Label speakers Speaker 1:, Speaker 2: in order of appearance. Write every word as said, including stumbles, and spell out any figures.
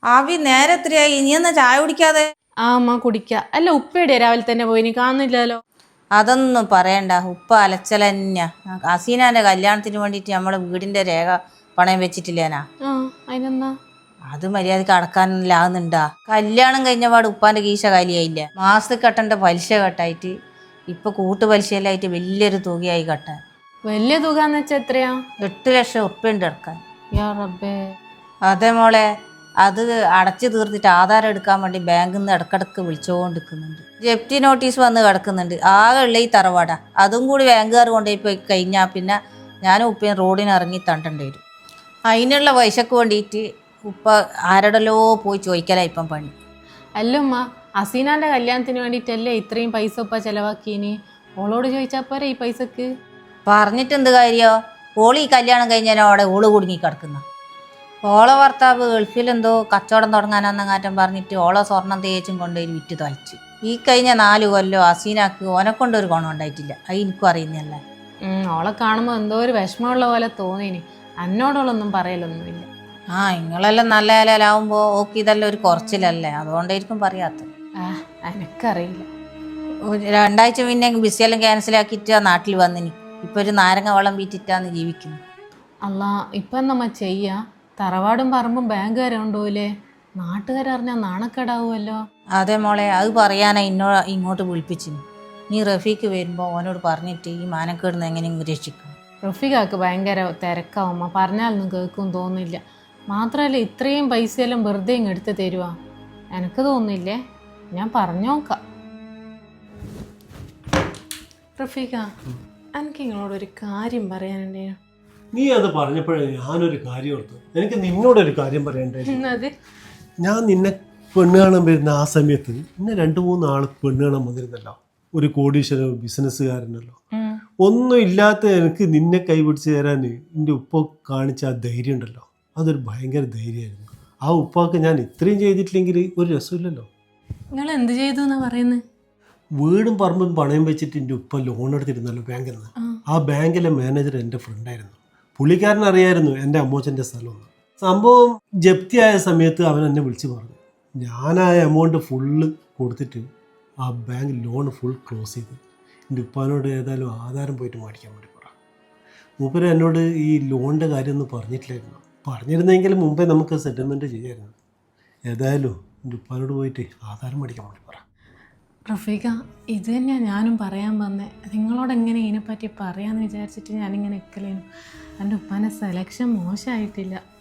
Speaker 1: ആവി നേരെ എത്രയായി? ഇനി എന്നാ ചായ കുടിക്കാതെ?
Speaker 2: ആ അമ്മ കുടിക്ക. അല്ല ഉപ്പയുടെ രാവിലെ തന്നെ പോയി, കാണുന്നില്ലല്ലോ.
Speaker 1: അതൊന്നും പറയണ്ട, ഉപ്പ അലച്ചലന്നെ. അസീനാന്റെ കല്യാണത്തിന് വേണ്ടിയിട്ട് നമ്മളെ വീടിന്റെ രേഖ പണയം വെച്ചിട്ടില്ലേനാ?
Speaker 2: ആ അതിനെന്നാ?
Speaker 1: അത് മര്യാദക്ക് അടക്കാനില്ലാകുന്നുണ്ടാ? കല്യാണം കഴിഞ്ഞപാട് ഉപ്പാന്റെ കീശ കാലിയായില്ലേ? മാസത്തിൽ കെട്ടേണ്ട പലിശ കെട്ടായിട്ട് ഇപ്പൊ കൂട്ടു പലിശയിലായിട്ട് വലിയൊരു തുകയായി കെട്ടാൻ.
Speaker 2: വലിയ തുക എന്ന് വെച്ചാ എത്രയാ?
Speaker 1: എട്ട് ലക്ഷം ഉറുപ്പ്യുണ്ട് അടക്കാൻ.
Speaker 2: യാ റബ്ബേ.
Speaker 1: അതെ മോളെ, അത് അടച്ചു തീർത്തിട്ട് ആധാരം എടുക്കാൻ വേണ്ടി ബാങ്കിൽ നിന്ന് ഇടക്കിടക്ക് വിളിച്ചുകൊണ്ടിരിക്കുന്നുണ്ട്. ജപ്തി നോട്ടീസ് വന്ന് കിടക്കുന്നുണ്ട്. ആകെ ഉള്ള ഈ തറവാട, അതും കൂടി ബാങ്കുകാർ കൊണ്ടുപോയി പോയി കഴിഞ്ഞാൽ പിന്നെ ഞാനും ഉപ്പയും റോഡിന് ഇറങ്ങി തണ്ടേണ്ടി വരും. അതിനുള്ള പൈസക്ക് വേണ്ടിയിട്ട് ഉപ്പ ആരോടല്ലോ പോയി ചോദിക്കലാ ഇപ്പം പണി.
Speaker 2: അല്ലുമ്മ, അസീനാന്റെ കല്യാണത്തിന് വേണ്ടിയിട്ടല്ലേ ഇത്രയും പൈസ ഉപ്പ ചെലവാക്കിയിനി? ഓളോട് ചോദിച്ചാ പോരെ ഈ പൈസക്ക്?
Speaker 1: പറഞ്ഞിട്ട് എന്ത് കാര്യോ? ഓള് ഈ കല്യാണം കഴിഞ്ഞാൽ ഓള് കുടുങ്ങി കിടക്കുന്ന. ഓളെ ഭർത്താവ് ഗൾഫിലെന്തോ കച്ചവടം തുടങ്ങാനെന്നങ്ങാറ്റം പറഞ്ഞിട്ട് ഓളെ സ്വർണം തേച്ചും കൊണ്ടുപോയി വിറ്റ് തൊലച്ച്. ഈ കഴിഞ്ഞ നാല് കൊല്ലോ അസീനാക്ക് ഓനെ കൊണ്ടൊരു ഗുണം ഉണ്ടായിട്ടില്ല. അത് എനിക്കും അറിയുന്നല്ലേ.
Speaker 2: ഓളെ കാണുമ്പോൾ എന്തോ ഒരു വിഷമമുള്ള പോലെ തോന്നിനി. എന്നോടോളൊന്നും പറയലൊന്നുമില്ല.
Speaker 1: ആ നിങ്ങളെല്ലാം നല്ല നിലയിലാവുമ്പോൾ ഓക്കെ ഇതെല്ലാം ഒരു കുറച്ചിലല്ലേ, അതുകൊണ്ടായിരിക്കും പറയാത്തത്.
Speaker 2: ആ എനക്കറിയില്ല.
Speaker 1: രണ്ടാഴ്ച പിന്നെ ബിസിയെല്ലാം ക്യാൻസലാക്കിയിട്ട് നാട്ടിൽ വന്നിനി. ഇപ്പൊ ഒരു നാരങ്ങ വെള്ളം വീറ്റിട്ടാന്ന് ജീവിക്കുന്നു.
Speaker 2: അല്ല, ഇപ്പം നമ്മ ചെയ്യാ? തറവാടും പറമ്പും ബാങ്കുകാരെ കൊണ്ടുപോയില്ലേ? നാട്ടുകാരറിഞ്ഞാൽ നാണക്കേടാവുമല്ലോ.
Speaker 1: അതെ മോളെ, അത് പറയാനാ ഇന്നോ ഇങ്ങോട്ട് വിളിപ്പിച്ചിന്. നീ റഫീക്ക് വരുമ്പോൾ ഓനോട് പറഞ്ഞിട്ട് ഈ മാനക്കേടുന്ന് എങ്ങനെയും രക്ഷിക്കണം.
Speaker 2: റഫീഖാക്ക് ഭയങ്കര തിരക്കാവുമ്മ, പറഞ്ഞാലൊന്നും കേൾക്കും തോന്നില്ല. മാത്രമല്ല ഇത്രയും പൈസയെല്ലാം വെറുതെ ഇങ്ങ് എടുത്ത് തരുവാ? എനിക്ക് തോന്നില്ലേ, ഞാൻ പറഞ്ഞോക്കാം. റഫീഖ, എനിക്ക് നിങ്ങളോടൊരു കാര്യം പറയാനുണ്ടേ.
Speaker 3: നീ അത് പറഞ്ഞപ്പോഴേ ഞാനൊരു കാര്യം ഓർത്തു. എനിക്ക് നിന്നോടൊരു കാര്യം പറയണ്ടേ. ഞാൻ നിന്നെ പെണ്ണ് കാണാൻ വരുന്ന ആ സമയത്ത് ഇന്നെ രണ്ട് മൂന്ന് ആൾ പെണ്ണ് കാണാൻ വന്നിരുന്നല്ലോ. ഒരു കോടീശ്വര ബിസിനസ്സുകാരനല്ലോ. ഒന്നും ഇല്ലാത്ത എനിക്ക് നിന്നെ കൈപിടിച്ച് തരാൻ എൻ്റെ ഉപ്പ കാണിച്ച ആ ധൈര്യം ഉണ്ടല്ലോ, അതൊരു ഭയങ്കര ധൈര്യമായിരുന്നു. ആ ഉപ്പാക്ക് ഞാൻ ഇത്രയും ചെയ്തിട്ടില്ലെങ്കിൽ ഒരു രസമില്ലല്ലോ.
Speaker 2: നിങ്ങൾ എന്ത് ചെയ്തു എന്നാ പറയുന്നത്?
Speaker 3: വീടും പറമ്പും പണയം വെച്ചിട്ട് എൻ്റെ ഉപ്പ ലോൺ എടുത്തിരുന്നല്ലോ ബാങ്കിൽ നിന്ന്. ആ ബാങ്കിലെ മാനേജർ എൻ്റെ ഫ്രണ്ടായിരുന്നു. പുള്ളിക്കാരൻ അറിയായിരുന്നു എൻ്റെ അമ്മോച്ചൻ്റെ സ്ഥലമൊന്നും. സംഭവം ജപ്തിയായ സമയത്ത് അവൻ എന്നെ വിളിച്ച് പറഞ്ഞു. ഞാൻ ആ എമൗണ്ട് ഫുള്ള് കൊടുത്തിട്ട് ആ ബാങ്ക് ലോൺ ഫുൾ ക്ലോസ് ചെയ്ത് എൻ്റെ ഉപ്പാനോട് ഏതായാലും ആധാരം പോയിട്ട് മേടിക്കാൻ വേണ്ടി പറ. മൂപ്പര് എന്നോട് ഈ ലോണിൻ്റെ കാര്യമൊന്നും പറഞ്ഞിട്ടില്ലായിരുന്നു. പറഞ്ഞിരുന്നെങ്കിൽ മുമ്പേ നമുക്ക് സെറ്റിൽമെൻറ്റ് ചെയ്യാമായിരുന്നു. ഏതായാലും എൻ്റെ ഉപ്പാനോട് പോയിട്ട് ആധാരം മേടിക്കാൻ വേണ്ടി പറ.
Speaker 2: റഫീഖ, ഇത് തന്നെയാണ് ഞാനും പറയാൻ വന്നേ. നിങ്ങളോട് എങ്ങനെ ഇതിനെപ്പറ്റി പറയാമെന്ന് വിചാരിച്ചിട്ട് ഞാനിങ്ങനെ നിൽക്കലേനു. എൻ്റെ ഉപ്പാൻ്റെ സെലക്ഷൻ മോശമായിട്ടില്ല.